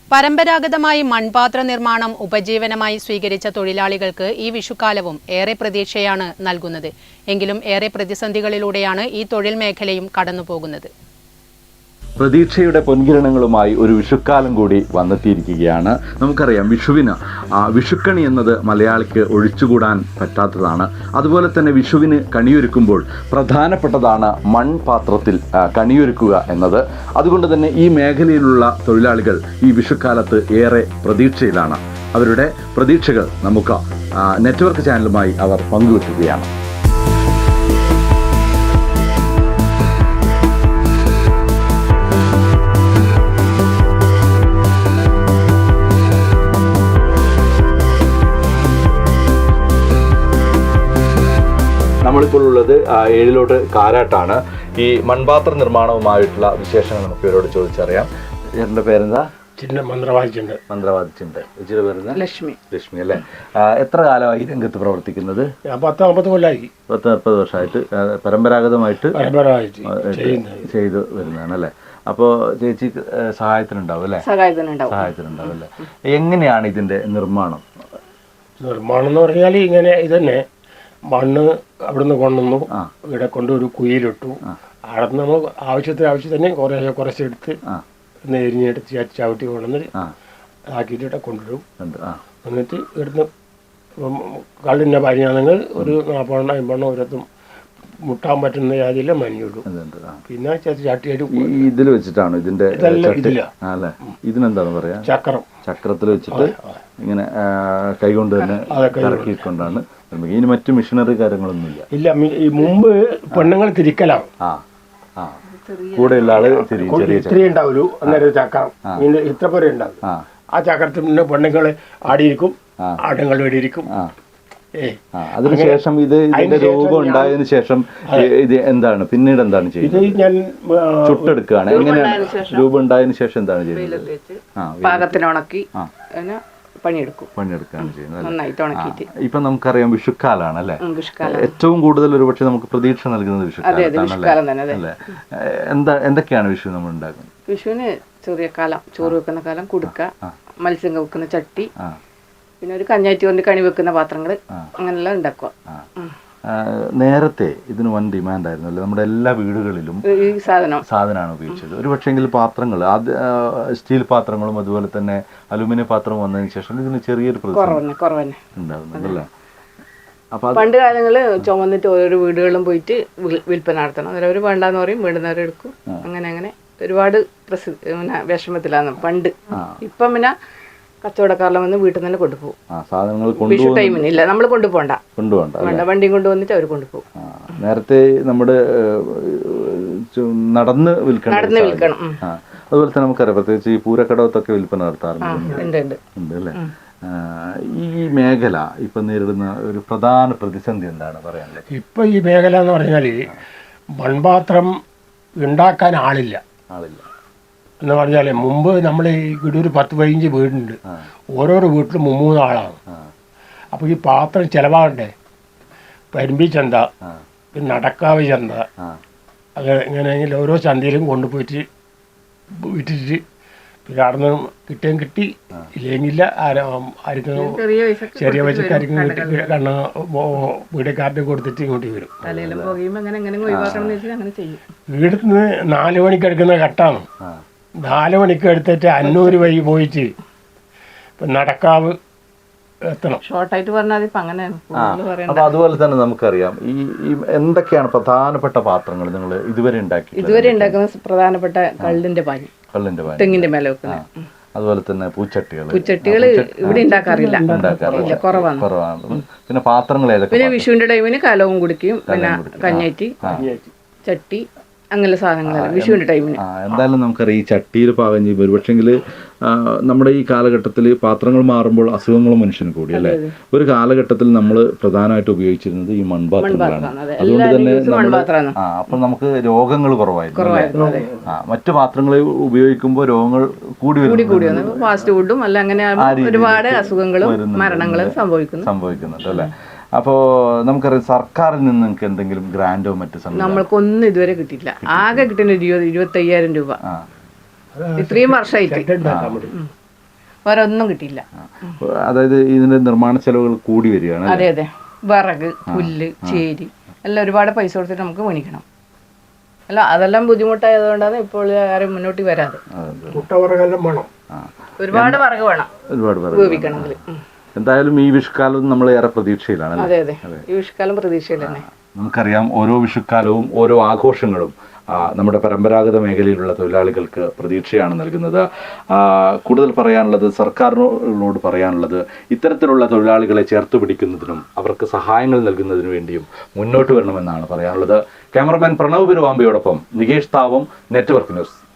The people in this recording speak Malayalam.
പരമ്പരാഗതമായി മൺപാത്ര നിർമ്മാണം ഉപജീവനമായി സ്വീകരിച്ച തൊഴിലാളികൾക്ക് ഈ വിഷുക്കാലവും ഏറെ പ്രതീക്ഷയാണ് നൽകുന്നത്. എങ്കിലും ഏറെ പ്രതിസന്ധികളിലൂടെയാണ് ഈ തൊഴിൽ മേഖലയും കടന്നുപോകുന്നത്. പ്രതീക്ഷയുടെ പൊൻകിരണങ്ങളുമായി ഒരു വിഷുക്കാലം കൂടി വന്നെത്തിയിരിക്കുകയാണ്. നമുക്കറിയാം, വിഷുക്കണി എന്നത് മലയാളിക്ക് ഒഴിച്ചുകൂടാൻ പറ്റാത്തതാണ്. അതുപോലെ തന്നെ വിഷുവിന് കണിയൊരുക്കുമ്പോൾ പ്രധാനപ്പെട്ടതാണ് മൺപാത്രത്തിൽ കണിയൊരുക്കുക എന്നത്. അതുകൊണ്ട് തന്നെ ഈ മേഖലയിലുള്ള തൊഴിലാളികൾ ഈ വിഷുക്കാലത്ത് ഏറെ പ്രതീക്ഷയിലാണ്. അവരുടെ പ്രതീക്ഷകൾ നമുക്ക് നെറ്റ്വർക്ക് ചാനലുമായി അവർ പങ്കുവെക്കുകയാണ്. നമ്മളിപ്പോൾ ഉള്ളത് ഏഴിലോട്ട് കാരാട്ടാണ്. ഈ മൺപാത്ര നിർമ്മാണവുമായിട്ടുള്ള വിശേഷങ്ങൾ നമുക്ക് ഇവരോട് ചോദിച്ചറിയാം. എൻ്റെ പേരെന്താ? മന്ത്രവാദിച്ചുണ്ട്. ചേച്ചിയുടെ പേരെന്താ? ലക്ഷ്മി അല്ലേ? എത്ര കാലമായി രംഗത്ത് പ്രവർത്തിക്കുന്നത്? 10-50 കൊല്ലമായി. 40 വർഷമായിട്ട് പരമ്പരാഗതമായിട്ട് ചെയ്തു വരുന്നതാണ് അല്ലേ? അപ്പോൾ ചേച്ചി സഹായത്തിനുണ്ടാവും അല്ലേ? സഹായത്തിനുണ്ടാവും അല്ലേ? എങ്ങനെയാണ് ഇതിന്റെ നിർമ്മാണം എന്ന് പറഞ്ഞാൽ ഇങ്ങനെ ഇതന്നെ മണ്ണ് അവിടുന്ന് കൊണ്ടുവന്നു, ഇവിടെ കൊണ്ട് ഒരു കുയിലിട്ടു. അവിടെ നിന്ന് നമ്മൾ ആവശ്യത്തിന് കുറച്ചെടുത്ത് എരിഞ്ഞെടുത്ത് ചവിട്ടി കൊണ്ടുവന്ന് ആക്കിയിട്ട് കൊണ്ടുവരും. എന്നിട്ട് ഇവിടുന്ന് കള്ളിൻ്റെ പരിഞ്ഞാണെങ്കിൽ ഒരു 40 50 ഓരോത്തും മുട്ടാൻ പറ്റുന്ന ജാതിയിലെ മഞ്ഞിടും. പിന്നെ ചട്ടിയായിട്ട് ഇതിൽ വെച്ചിട്ടാണ് ഇതിന്റെ അല്ലേ? ഇതിനെന്താന്ന് പറയാ? ചക്രത്തിൽ വെച്ചിട്ട് ഇങ്ങനെ കൈകൊണ്ട് തന്നെ ഇറക്കിക്കൊണ്ടാണ്. ഇനി മറ്റു മിഷനറി കാര്യങ്ങളൊന്നുമില്ല. ഇല്ല, ഈ മുമ്പ് പെണ്ണുങ്ങൾ തിരിക്കലാണ്. കൂടെയുള്ള ആള് ഇത്തിരി ഉണ്ടാവുള്ളൂ. അന്നേരം ചക്രം ഇത്ര പോലെ ഉണ്ടാവും. ആ ചക്രത്തിൽ പിന്നെ പെണ്ണുങ്ങൾ ആടിയിരിക്കും, ആടുങ്ങൾ വേടിയിരിക്കും. അതിനുശേഷം ഇതിന്റെ രൂപം ഉണ്ടായതിനു ശേഷം ഇത് എന്താണ് പിന്നീട് എന്താണ് ചെയ്യുന്നത്? ഞാൻ ചുട്ടെടുക്കുകയാണ്. എങ്ങനെയാണ് രൂപം ഉണ്ടായതിനു ശേഷം എന്താണ് ചെയ്യുന്നത്? പാകത്തിനുണക്കി പണിയെടുക്കുകയാണ് ചെയ്യുന്നത്. ഇപ്പൊ നമുക്കറിയാം വിഷുക്കാലാണ് അല്ലെ? ഏറ്റവും കൂടുതൽ ഒരുപക്ഷെ നമുക്ക് പ്രതീക്ഷ നൽകുന്നത് വിഷുക്കാലത്താണല്ലേ? അല്ലെ? എന്തൊക്കെയാണ് വിഷു നമ്മൾ ഉണ്ടാക്കുന്നത്? വിഷുവിന് ചെറിയ കാലം, ചോറ് വെക്കുന്ന കാലം, കുടുക്ക, മത്സ്യം വെക്കുന്ന ചട്ടി, പിന്നെ ഒരു കഞ്ഞാറ്റി കൊണ്ട് കണി വെക്കുന്ന പാത്രങ്ങൾ, അങ്ങനെല്ലാം ഉണ്ടാക്കുക. നേരത്തെ ഇതിന് വൻ ഡിമാൻഡ് ആയിരുന്നു അല്ലേ? നമ്മുടെ എല്ലാ വീടുകളിലും ഈ സാധനമാണ് ഉപയോഗിച്ചത്. ഒരു പക്ഷേങ്കിൽ പാത്രങ്ങൾ, സ്റ്റീൽ പാത്രങ്ങളും അതുപോലെ തന്നെ അലുമിനിയം പാത്രവും വന്നതിന് ശേഷം ഇതിന് ചെറിയൊരു ഉണ്ടാകുന്നുണ്ടല്ലേ? അപ്പൊ പണ്ട് കാലങ്ങളിൽ ചുമന്നിട്ട് ഓരോ വീടുകളിലും പോയിട്ട് വിൽപ്പന നടത്തണം. അവർ വേണ്ടാന്ന് പറയും, വേണ്ടുന്നവരെ എടുക്കും. അങ്ങനെ ഒരുപാട് വിഷമത്തിലാണ് പണ്ട്. ഇപ്പം പിന്നെ കച്ചവടക്കാരെല്ലാം വന്ന് വീട്ടിൽ തന്നെ കൊണ്ടുപോകും. വിഷു ടൈമിന് ഇല്ല, നമ്മൾ കൊണ്ടുപോകണ്ട, വണ്ടിയും കൊണ്ടുവന്നിട്ട് അവർ കൊണ്ടുപോകും. നേരത്തെ നമ്മുടെ നടന്ന് വിൽക്കണം. അതുപോലെ തന്നെ നമുക്കറിയാം, പ്രത്യേകിച്ച് ഈ പൂരക്കടവത്തൊക്കെ വിൽപ്പന നടത്താറുണ്ട് അല്ലേ? ഈ മേഖല ഇപ്പൊ നേരിടുന്ന ഒരു പ്രധാന പ്രതിസന്ധി എന്താണ് പറയാനുള്ളത്? ഇപ്പൊ ഈ മേഖല എന്ന് പറഞ്ഞാൽ മൺപാത്രം ഉണ്ടാക്കാൻ ആളില്ല എന്ന് പറഞ്ഞാൽ, മുമ്പ് നമ്മൾ ഈ ഒരു 10-15 വീടുണ്ട്. ഓരോരോ വീട്ടിലും 3 ആളാണ്. അപ്പോൾ ഈ പാത്രം ചിലവാകണ്ടേ? പരിമ്പി ചന്ത, പിന്നെ നടക്കാവ് ചന്ത, അങ്ങനെ ഇങ്ങനെ ഓരോ ചന്തയിലും കൊണ്ടുപോയിട്ട് വിറ്റിട്ട് പിന്നെ അവിടെ നിന്ന് കിട്ടുകയും കിട്ടി, ഇല്ലെങ്കില്ല ആർക്കും ചെറിയ പൈസക്കാർക്കും കിട്ടി കണ്ണ് വീടക്കാരുടെ കൊടുത്തിട്ട് ഇങ്ങോട്ട് വരും. വീട്ടിൽ നിന്ന് 4 മണിക്ക് എടുക്കുന്ന കട്ടാണ്. 4 മണിക്ക് എടുത്തിട്ട് 500 വഴി പോയിട്ട് ഇപ്പം നടക്കാവ് എത്തണം. ഷോർട്ടായിട്ട് പറഞ്ഞാൽ അപ്പൊ അതുപോലെ തന്നെ നമുക്കറിയാം, ഈ എന്തൊക്കെയാണ് പ്രധാനപ്പെട്ട പാത്രങ്ങൾ നിങ്ങൾ ഇതുവരെ ഉണ്ടാക്കുന്ന പ്രധാനപ്പെട്ട കള്ളിന്റെ പാനി, തെങ്ങിന്റെ മേലെ വെക്കുന്ന, അതുപോലെ തന്നെ പൂച്ചട്ടികൾ ഇവിടെ ഉണ്ടാക്കാറില്ല, കുറവാണ്. പിന്നെ പാത്രങ്ങൾ ഏതൊക്കെ? പിന്നെ വിഷുവിന്റെ ടൈമിന് കലവും കുടിക്കും, പിന്നെ കഞ്ഞാറ്റി, ചട്ടി, അങ്ങനെ സാധനങ്ങളാണ് വിഷുവിന്റെ ടൈമിന്. എന്തായാലും നമുക്കറിയാം, ഈ ചട്ടിയിൽ പാകം ചെയ്യുമ്പോൾ ഒരുപക്ഷെങ്കിൽ നമ്മുടെ ഈ കാലഘട്ടത്തിൽ പാത്രങ്ങൾ മാറുമ്പോൾ അസുഖങ്ങളും മനുഷ്യന് കൂടി അല്ലേ? ഒരു കാലഘട്ടത്തിൽ നമ്മൾ പ്രധാനമായിട്ട് ഉപയോഗിച്ചിരുന്നത് ഈ മൺപാത്രങ്ങളാണ്. അതുകൊണ്ട് തന്നെ അപ്പൊ നമുക്ക് രോഗങ്ങൾ കുറവായിരുന്നു. മറ്റു പാത്രങ്ങൾ ഉപയോഗിക്കുമ്പോൾ രോഗങ്ങൾ കൂടി ഫാസ്റ്റ് ഫുഡും അല്ല, അങ്ങനെ ഒരുപാട് അസുഖങ്ങളും മരണങ്ങളും സംഭവിക്കുന്നുണ്ട് അല്ലേ? അപ്പോൾ നമുക്കറിയാം, സർക്കാരിൽ നിന്ന് നിങ്ങൾക്ക് എന്തെങ്കിലും ഗ്രാൻഡോ മറ്റു നമ്മൾക്കൊന്നും ഇതുവരെ കിട്ടിയില്ല. ആകെ കിട്ടുന്ന 20-25,000 രൂപ ഇത്രയും വർഷമായിട്ട്. വേറെ ഒന്നും കിട്ടിയില്ല. അതായത് ഇതിന്റെ നിർമ്മാണ ചെലവുകൾ കൂടി വരികയാണ്. അതെ അതെ, വിറക്, പുല്ല്, ചേരി എല്ലാം ഒരുപാട് പൈസ കൊടുത്തിട്ട് നമുക്ക് മേടിക്കണം. അല്ല അതെല്ലാം ബുദ്ധിമുട്ടായതുകൊണ്ടാണ് ഇപ്പോൾ ആരും മുന്നോട്ട് വരാതെ. മുട്ടവറകെല്ലാം വേണം, ഒരുപാട് വിറക് വേണം ഉപയോഗിക്കണമെങ്കിൽ. എന്തായാലും ഈ വിഷുക്കാലം നമ്മൾ ഏറെ പ്രതീക്ഷയിലാണ്. അതെ അതെ, ഈ വിഷുക്കാലം പ്രതീക്ഷയിൽ തന്നെ. നമുക്കറിയാം ഓരോ വിഷുക്കാലവും ഓരോ ആഘോഷങ്ങളും നമ്മുടെ പരമ്പരാഗത മേഖലയിലുള്ള തൊഴിലാളികൾക്ക് പ്രതീക്ഷയാണ് നൽകുന്നത്. കൂടുതൽ പറയാനുള്ളത്, സർക്കാരിനോട് പറയാനുള്ളത്, ഇത്തരത്തിലുള്ള തൊഴിലാളികളെ ചേർത്ത് പിടിക്കുന്നതിനും അവർക്ക് സഹായങ്ങൾ നൽകുന്നതിനു വേണ്ടിയും മുന്നോട്ട് വരണമെന്നാണ് പറയാനുള്ളത്. ക്യാമറമാൻ പ്രണവ് പെരുവാമ്പയോടൊപ്പം നികേഷ് താവം, നെറ്റ്വർക്ക് ന്യൂസ്.